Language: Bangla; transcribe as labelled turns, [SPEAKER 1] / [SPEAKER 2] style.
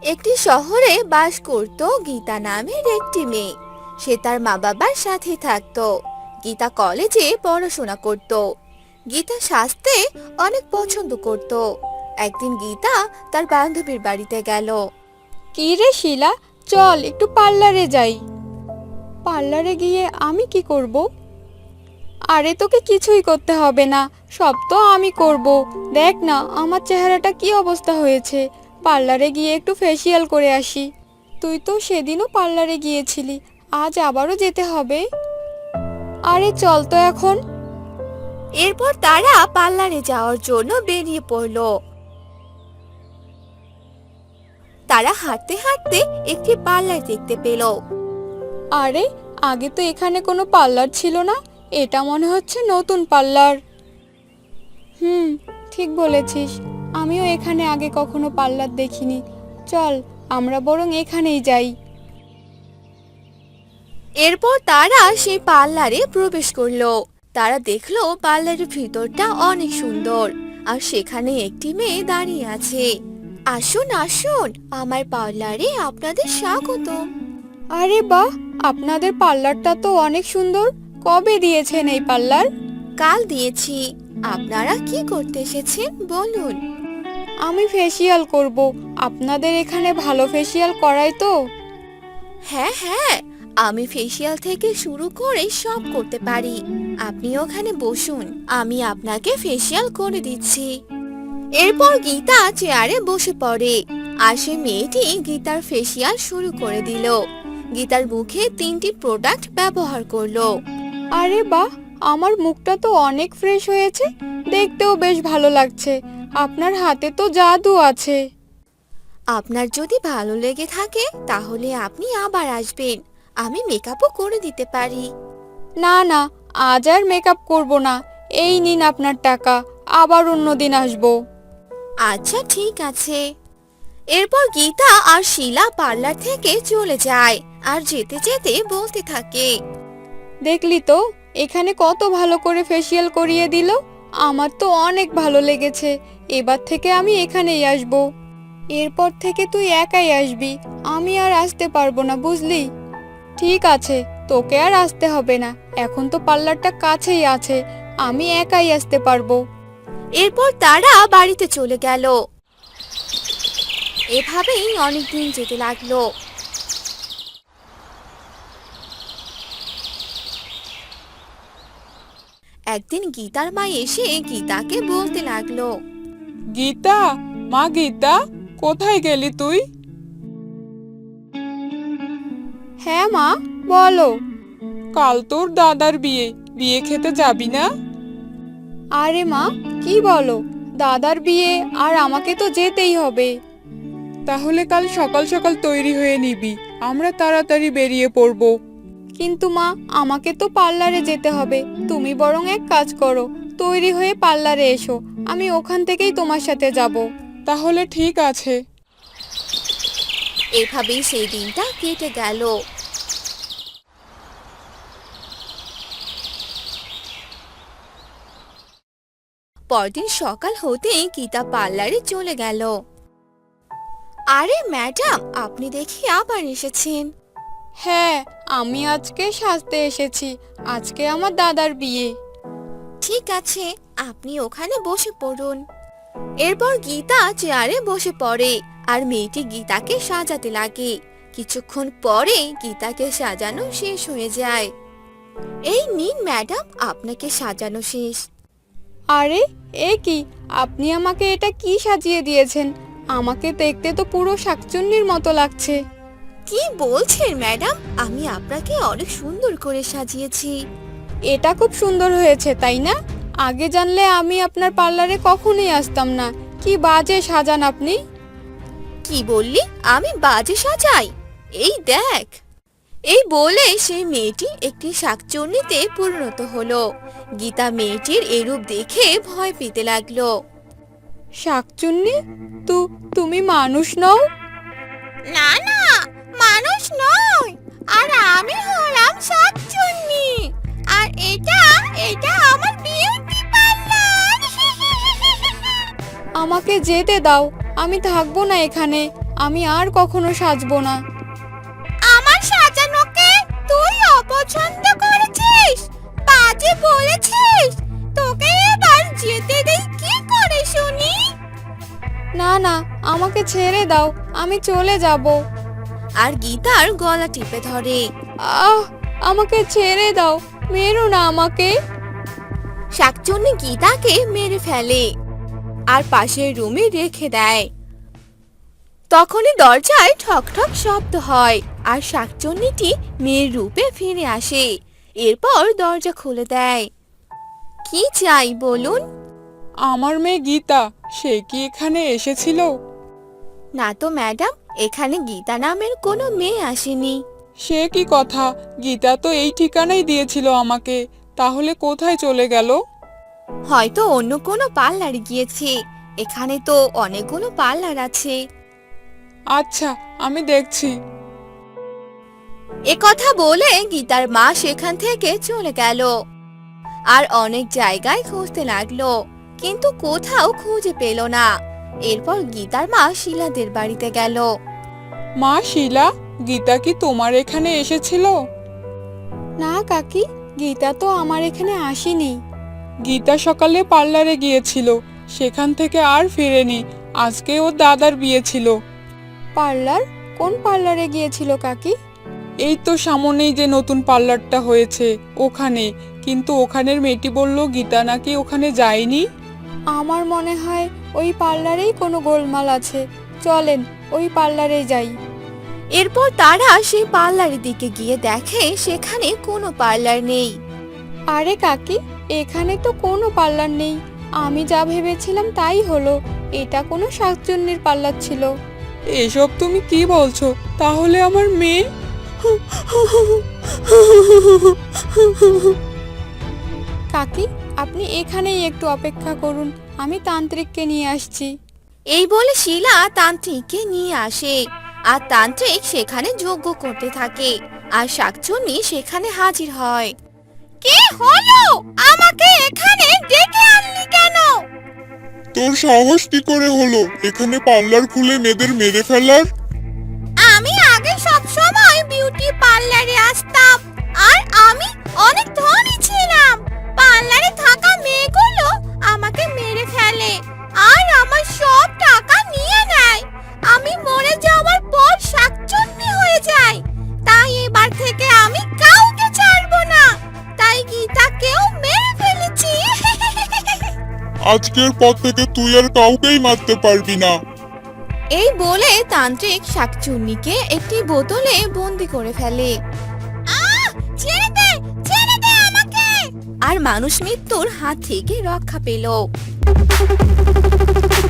[SPEAKER 1] একটি শহরে বাস করত গীতা নামের একটি মেয়ে। সে তার মা বাবার সাথে থাকতো। গীতা কলেজে পড়াশোনা করত। গীতা সাজতে অনেক পছন্দ করত। একদিন গীতা তার বান্ধবীর বাড়িতে গেল।
[SPEAKER 2] কি রে শিলা, চল একটু পার্লারে যাই। পার্লারে গিয়ে আমি কি করব? আরে তোকে কিছুই করতে হবে না, সব তো আমি করব। দেখ না আমার চেহারাটা কি অবস্থা হয়েছে। পার্লারে গিয়ে একটু ফেসিয়াল করে আসি। তুই তো সেদিনও পার্লারে গিয়েছিলি, আজ আবারও যেতে হবে। আরে চল তো এখন।
[SPEAKER 1] এরপর তারা পার্লারে যাওয়ার জন্য বেরিয়ে পড়ল। তারা হাঁটতে হাঁটতে একটি পার্লার দেখতে পেল।
[SPEAKER 2] আরে আগে তো এখানে কোনো পার্লার ছিল না, এটা মনে হচ্ছে নতুন পার্লার। হুম, ঠিক বলেছিস, আমিও এখানে আগে কখনো পার্লার দেখিনি। চল আমরা বরং এখানেই যাই।
[SPEAKER 1] এরপর তারা সেই পার্লারে প্রবেশ করলো। তারা দেখলো পার্লারের ভিতরটা অনেক সুন্দর, আর সেখানে একটি মেয়ে দাঁড়িয়ে আছে। আসুন আসুন, আমার পার্লারে আপনাদের স্বাগত।
[SPEAKER 2] আরে বাহ, আপনাদের পার্লারটা তো অনেক সুন্দর। কবে দিয়েছেন এই পার্লার?
[SPEAKER 1] কাল দিয়েছি। আপনারা কি করতে এসেছেন বলুন?
[SPEAKER 2] আমি ফেসিয়াল করব। আপনাদের এখানে ভালো ফেসিয়াল করায় তো?
[SPEAKER 1] হ্যাঁ হ্যাঁ, আমি ফেসিয়াল থেকে শুরু করে সব করতে পারি। আপনি ওখানে বসুন, আমি আপনাকে ফেসিয়াল করে দিচ্ছি। এরপর গীতা চেয়ারে বসে পড়ে, আর সে মেয়েটি গীতার ফেসিয়াল শুরু করে দিল। গীতার মুখে 3টি প্রোডাক্ট ব্যবহার করলো।
[SPEAKER 2] আরে বাহ, আমার মুখটা তো অনেক ফ্রেশ হয়েছে, দেখতেও বেশ ভালো লাগছে। আপনার হাতে তো জাদু আছে।
[SPEAKER 1] আপনার যদি ভালো লেগে থাকে তাহলে আপনি আবার আসবেন, আমি মেকআপও করে দিতে পারি।
[SPEAKER 2] না না, আজ আর মেকআপ করব না। এই নিন আপনার টাকা, আবার অন্য দিন আসবো।
[SPEAKER 1] আচ্ছা ঠিক আছে। এরপর গীতা আর শিলা পার্লার থেকে চলে যায়, আর যেতে যেতে বলতে থাকে।
[SPEAKER 2] দেখলি তো, এখানে কত ভালো করে ফেসিয়াল করিয়ে দিল। আমার তো অনেক ভালো লেগেছে। এবার থেকে আমি এখানেই আসব। এরপর থেকে তুই একাই আসবি, আমি আর আসতে পারবো না, বুঝলি? ঠিক আছে, তোকে আর আসতে হবে না। এখন তো পার্লারটা কাছেই আছে, আমি একাই আসতে পারবো।
[SPEAKER 1] এরপর তারা বাড়িতে চলে গেল। এভাবেই অনেকদিন যেতে লাগলো। একদিন গীতার মা এসে গীতাকে বলতে লাগলো।
[SPEAKER 3] গীতা, মা গীতা, কোথায় গেলি তুই?
[SPEAKER 2] হ্যাঁ মা, বলো।
[SPEAKER 3] কাল তোর দাদার বিয়ে, বিয়ে খেতে যাবি না?
[SPEAKER 2] আরে মা, কি বলো? দাদার বিয়ে, আর আমাকে তো যেতেই হবে।
[SPEAKER 3] তাহলে কাল সকাল সকাল তৈরি হয়ে নিবি, আমরা তাড়াতাড়ি বেরিয়ে পড়ব।
[SPEAKER 2] কিন্তু মা, আমাকে তো পার্লারে যেতে হবে। তুমি বরং এক কাজ করো, তৈরি হয়ে পার্লারে এসো, আমি ওখান থেকেই তোমার সাথে যাব।
[SPEAKER 3] তাহলে ঠিক আছে।
[SPEAKER 1] এভাবেই সেই দিনটা কেটে গেল। পরদিন সকাল হতেই গীতা পার্লারে চলে গেল। আরে ম্যাডাম, আপনি দেখি আবার এসেছেন।
[SPEAKER 2] হ্যাঁ, আমি আজকে সাজতে এসেছি। আজকে আমার দাদার বিয়ে।
[SPEAKER 1] ঠিক আছে, আপনি ওখানে বসে পড়ুন। এরপর গীতা চেয়ারে বসে পড়ে, আর মেয়েটি গীতাকে সাজাতে লাগে। কিছুক্ষণ পরে গীতাকে সাজানো শেষ হয়ে যায়। এই নিন ম্যাডাম, আপনাকে সাজানো শেষ।
[SPEAKER 2] আরে এ কি, আপনি আমাকে এটা কি সাজিয়ে দিয়েছেন? আমাকে দেখতে তো পুরো শাকচুন্নির মতো লাগছে।
[SPEAKER 1] কি বলছেন ম্যাডাম, আমি আপনাকে অনেক সুন্দর করে সাজিয়েছি।
[SPEAKER 2] এটা খুব সুন্দর হয়েছে, তাই না? আগে জানলে আমি আপনার পার্লারে কখনোই আসতাম না। কি বাজে সাজান আপনি।
[SPEAKER 1] কি বললি আমি বাজে সাজাই? এই দেখ। এই বলে সেই মেয়েটি একটি শাকচুন্নিতে পরিণত হলো। গীতা মেয়েটির এরূপ দেখে ভয় পেতে লাগলো।
[SPEAKER 2] শাকচুন্নি, তুমি মানুষ নও?
[SPEAKER 1] না না, মানুষ নয়, আর আমি হলাম শাকচুন্নি। আর এটা এটা আমার বিউটি পার্লার।
[SPEAKER 2] আমাকে যেতে দাও, আমি থাকবো না এখানে। আমি আর কখনো সাজবো না।
[SPEAKER 1] আমার সাজানোকে তুই অপছন্দ করেছিস, বাজে বলেছিস। তোকে এবার যেতে দেই কি করে শুনি?
[SPEAKER 2] না না, আমাকে ছেড়ে দাও, আমি চলে যাব।
[SPEAKER 1] আর গীতার গলা টিপে ধরে।
[SPEAKER 2] আহ, আমাকে ছেড়ে দাও, মেরো না আমাকে।
[SPEAKER 1] শাকচুন্নি গীতাকে মেরে ফেলে আর পাশের রুমে রেখে দেয়। তখনই দরজায় ঠক ঠক শব্দ হয় আর শাকচুন্নিটি মেয়ের রূপে ফিরে আসে। এরপর দরজা খুলে দেয়। কি চাই বলুন?
[SPEAKER 3] আমার মেয়ে গীতা, সে কি এখানে এসেছিল?
[SPEAKER 1] না তো ম্যাডাম, এখানে গীতা নামের কোনো মেয়ে আসেনি।
[SPEAKER 3] সে কি কথা, গীতা তো এই ঠিকানাই দিয়েছিল আমাকে, তাহলে কোথায় চলে গেল?
[SPEAKER 1] হয়তো অন্য কোনো পার্লারে গিয়েছে, এখানে তো অনেকগুলো পার্লার আছে।
[SPEAKER 3] আচ্ছা, আমি দেখছি।
[SPEAKER 1] কথা বলে গীতার মা সেখান থেকে চলে গেল আর অনেক জায়গায় খুঁজতে লাগলো, কিন্তু কোথাও খুঁজে পেল না। এরপর গীতার মা শিলাদের বাড়িতে গেল।
[SPEAKER 3] মা শিলা, গীতা কি তোমার এখানে এসেছিল?
[SPEAKER 2] না কাকি, গীতা তো আমার এখানে আসেনি।
[SPEAKER 3] গীতা সকালে পার্লারে গিয়েছিল, সেখান থেকে আর ফিরেনি। আজকে ওর দাদার বিয়ে ছিল।
[SPEAKER 2] পার্লার? কোন পার্লারে গিয়েছিল কাকি?
[SPEAKER 3] এই তো সামনেই যে নতুন পার্লারটা হয়েছে ওখানে, কিন্তু ওখানের মেয়েটি বলল গীতা নাকি ওখানে যায়নি।
[SPEAKER 2] আমার মনে হয় ওই পার্লারেই কোনো গোলমাল আছে, চলেন ওই পার্লারে যাই।
[SPEAKER 1] এরপর তারা সেই পার্লারের দিকে গিয়ে দেখে সেখানে কোনো পার্লার নেই।
[SPEAKER 2] আরে কাকি, এখানে তো কোনো পার্লার নেই। আমি যা ভেবেছিলাম তাই হলো, এটা কোনো শাকচুন্নির পার্লার ছিল।
[SPEAKER 3] এসব তুমি কি বলছো? তাহলে আমার মেয়ে?
[SPEAKER 2] কাকি, আপনি এখানেই একটু অপেক্ষা করুন, আমি তান্ত্রিককে নিয়ে আসছি।
[SPEAKER 1] এই বলে শিলা তান্ত্রিককে নিয়ে আসে আর তান্ত্রিক সেখানে যজ্ঞ করতে থাকে আর শাকচুন্নি সেখানে হাজির হয়। কি হলো? আমাকে এখানে ডেকে আনলি কেন?
[SPEAKER 4] তোর সাহস কি করে হলো এখানে পার্লার খুলে মেয়েদের মেরে ফেলার?
[SPEAKER 1] আমি আগে সব সময় বিউটি পার্লারে আসতাম আর আমি অনেক ধনী ছিলাম। পার্লারে থাকা মেয়েগুলো আমাকে মেরে ফেলে আর আমার সব টাকা নিয়ে নেয়। আমি মরে যাওয়ার পর শাকচুন্নি হয়ে যাই। তাই এবার থেকে আমি কাউকে ছাড়বো না। তাই গীতাকেও মেরে ফেলেছি।
[SPEAKER 4] আজকের পর থেকে তুই আর কাউকেই মারতে পারবি না।
[SPEAKER 1] এই বলে তান্ত্রিক শাকচুন্নিকে একটি বোতলে বন্দি করে ফেলে। ছেড়ে দে, ছেড়ে দে আমাকে! আর মানুষ মৃত্যুর হাত থেকে রক্ষা পেল।